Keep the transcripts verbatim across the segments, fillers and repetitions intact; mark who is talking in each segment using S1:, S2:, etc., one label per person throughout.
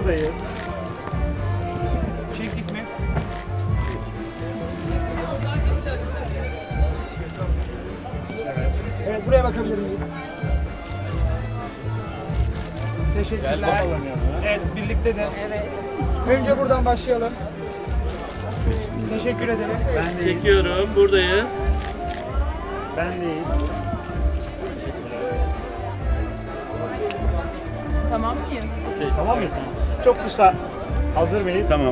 S1: buradayız. Çektik mi? Evet. Evet, buraya bakabilir miyiz? Teşekkürler. Evet, birlikte de.
S2: Evet.
S1: Önce buradan başlayalım. Teşekkür ederim. Ben de
S3: Çekiyorum, buradayız.
S1: Ben değil.
S2: Tamam mıyız?
S1: Tamam mıyız? Çok kısa. Hazır mıyız?
S3: Tamam.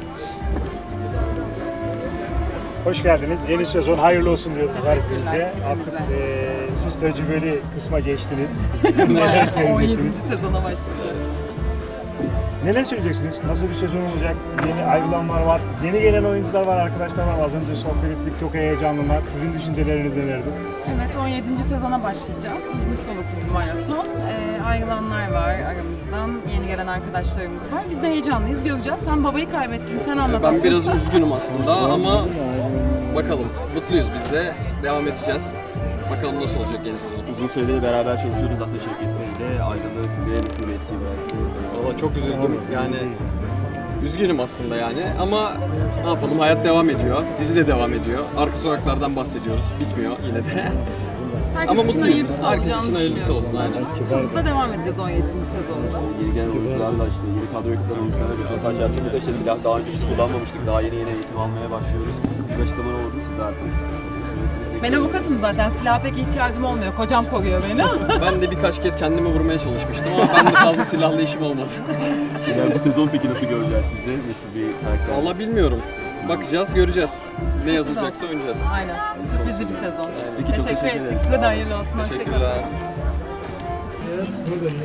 S1: Hoş geldiniz. Yeni sezon hayırlı olsun diyoruz her
S2: Teşekkürler.
S1: birinize. Artık
S2: Hepinize.
S1: eee siz tecrübeli kısma geçtiniz.
S2: Bayağı on
S1: söyleyeceksiniz?
S2: yedinci sezona başlayacağız.
S1: Neler söyleyeceksiniz? Nasıl bir sezon olacak? Yeni ayrılanlar var. Yeni gelen oyuncular var, arkadaşlar var. Az önce sohbet ettik. Çok heyecanlılar. Sizin düşünceleriniz nelerdi?
S2: Evet, on yedinci sezona başlayacağız. Uzun soluklu bir maraton. Ee, ayrılanlar var aramızdan, yeni gelen arkadaşlarımız var. Biz de heyecanlıyız, göreceğiz. Sen babayı kaybettin, sen anlat.
S4: Ben
S2: asıl.
S4: biraz üzgünüm aslında ama bakalım. Mutluyuz biz de. Devam edeceğiz. Bakalım nasıl olacak yeni sezon.
S5: Uzun süredir beraber çalışıyoruz aslında Şevket Bey de. Ayrılığı size nasıl bir etki bıraktı?
S4: Valla çok üzüldüm. Yani üzgünüm aslında yani ama ne yapalım, hayat devam ediyor. Dizi de devam ediyor. Arka sokaklardan bahsediyoruz. Bitmiyor yine de.
S2: Herkes
S4: ama
S2: için
S4: mutluyuz.
S2: hayırlısı
S4: Herkes
S2: olacağını
S4: için hayırlısı
S2: düşünüyoruz
S4: olsun, aynen.
S2: zaten. Yolumuza devam edeceğiz on yedinci sezonda.
S5: Yeni gelen oyuncularla işte yeni kadroya katılan oyuncularla röportaj yaptığımızda işte silah daha önce biz kullanmamıştık. Daha yeni yeni eğitim almaya başlıyoruz. Bir açıklama oldu siz artık.
S2: Ben avukatım zaten, silaha pek ihtiyacım olmuyor. Kocam koruyor beni.
S4: Ben de birkaç kez kendimi vurmaya çalışmıştım ama ben de fazla silahlı işim olmadı.
S5: İleride sezon peki nasıl göreceğiz sizi? Nasıl bir karakter?
S4: Valla bilmiyorum. Bakacağız, göreceğiz. Ne yazılacaksa oynayacağız.
S2: Aynen. Sürprizli bir sezon.
S5: Peki, çok
S2: Teşekkür
S5: teşekkür
S2: ettik.
S5: ederim.
S2: Size de hayırlı olsun. Hoşça kalın.
S4: Teşekkürler.
S1: Buradayız.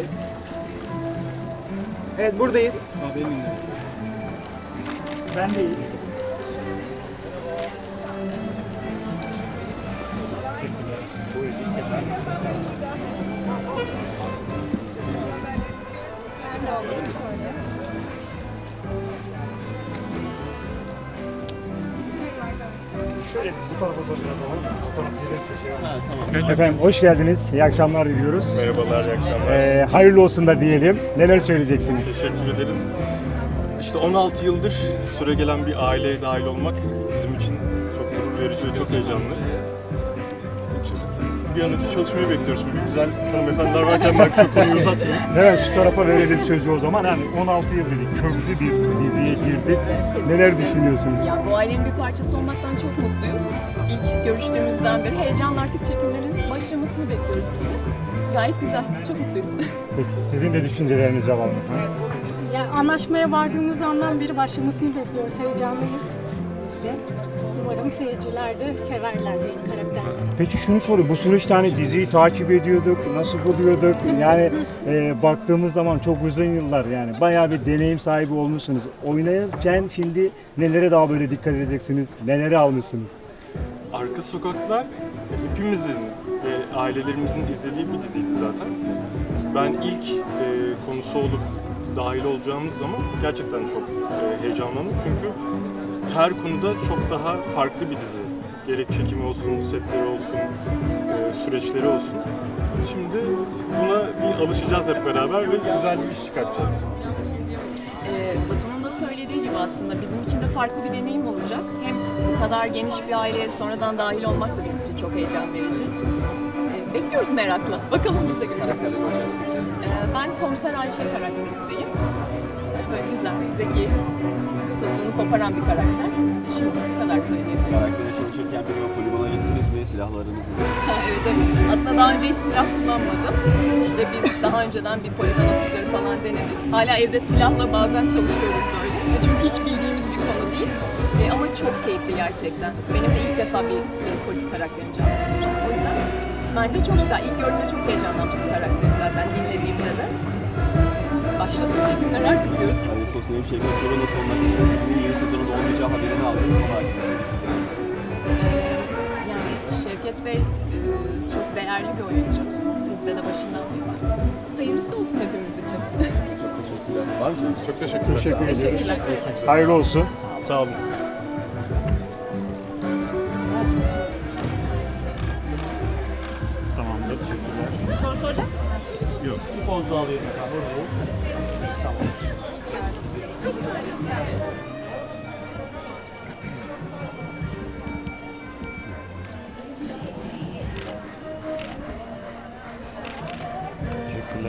S1: Evet, buradayız. Ben değil. Şöyle bu tarafa doğru biraz alalım. Bu taraf gelirse şey Efendim hoş geldiniz. İyi akşamlar diliyoruz.
S6: Merhabalar, iyi akşamlar.
S1: Ee, hayırlı olsun da diyelim. Neler söyleyeceksiniz?
S6: Teşekkür ederiz. İşte on altı yıldır süre gelen bir aileye dahil olmak bizim için çok gurur verici ve çok heyecanlı. İşte bir an önce çalışmayı bekliyoruz. Şimdi güzel hanımefendiler varken ben çok konuyu uzatmayayım.
S1: Evet, şu tarafa verelim sözü o zaman. Yani on altı yıl dedik, köklü bir diziye girdik. Neler düşünüyorsunuz?
S7: Ya bu ailenin bir parçası olmaktan çok mutluyuz. İlk görüştüğümüzden beri heyecanla artık çekimlerin başlamasını bekliyoruz biz de. Gayet güzel, çok mutluyuz.
S1: Peki, sizin de düşüncelerinizi alalım.
S8: Yani anlaşmaya vardığımız andan beri başlamasını bekliyoruz. Heyecanlıyız biz de. Umarım seyirciler de severler benim karakterleri.
S1: Peki şunu sorayım, bu süreçte hani diziyi takip ediyorduk, nasıl buluyorduk? Yani e, baktığımız zaman çok uzun yıllar yani bayağı bir deneyim sahibi olmuşsunuz. Oynarken şimdi nelere daha böyle dikkat edeceksiniz, neleri almışsınız?
S6: Arka Sokaklar hepimizin ve ailelerimizin izlediği bir diziydi zaten. Ben ilk e, konusu olup dahil olacağımız zaman gerçekten çok e, heyecanlandım çünkü her konuda çok daha farklı bir dizi. Gerek çekimi olsun, setleri olsun, e, süreçleri olsun. Şimdi buna bir alışacağız hep beraber ve güzel bir iş çıkartacağız.
S7: Ee, Batu'nun da söylediği gibi aslında bizim için de farklı bir deneyim olacak. Hem bu kadar geniş bir aileye sonradan dahil olmak da bizim için çok heyecan verici. Ee, bekliyoruz merakla. Bakalım biz de göreceğiz. Ee, ben Komiser Ayşe karakterindeyim. Ee, böyle güzel, zeki, tuttuğunu koparan bir karakter. Şimdi bu kadar söyleyebilirim.
S5: Karaktere çalışırken bir o poligona gittiniz mi? Silahlarınız mı?
S7: Evet, evet. Aslında daha önce hiç silah kullanmadım. İşte biz daha önceden bir poligon atışları falan denedik. Hala evde silahla bazen çalışıyoruz böyle. Çünkü hiç bildiğimiz bir konu değil. E, ama çok keyifli gerçekten. Benim de ilk defa bir e, polis karakterini canlandıracağım. O yüzden bence çok güzel. İlk gördüğümde çok heyecanlanmıştım karakteri zaten dinlediğimde de. Başlasın çekimler artık diyoruz.
S5: Hani sosyal bir Şevket Bey'e nasıl olmak istediğiniz yeni sezonunda olmayacağı haberini aldım. Ama hakkında ne düşündünüz?
S7: Yani Şevket Bey e, çok değerli bir oyuncu. Bizde de başından beri var. Hayırlısı olsun hepimiz için.
S5: Çok teşekkürler. Var mı?
S6: Çok teşekkürler.
S1: Teşekkür
S7: Teşekkür
S1: ederiz.
S7: ederim.
S1: Hayırlı olsun.
S6: Sağ olun.
S1: Tamamdır. Teşekkürler.
S7: Soru soracak mısın?
S1: Bir poz daha alayım. Tamam.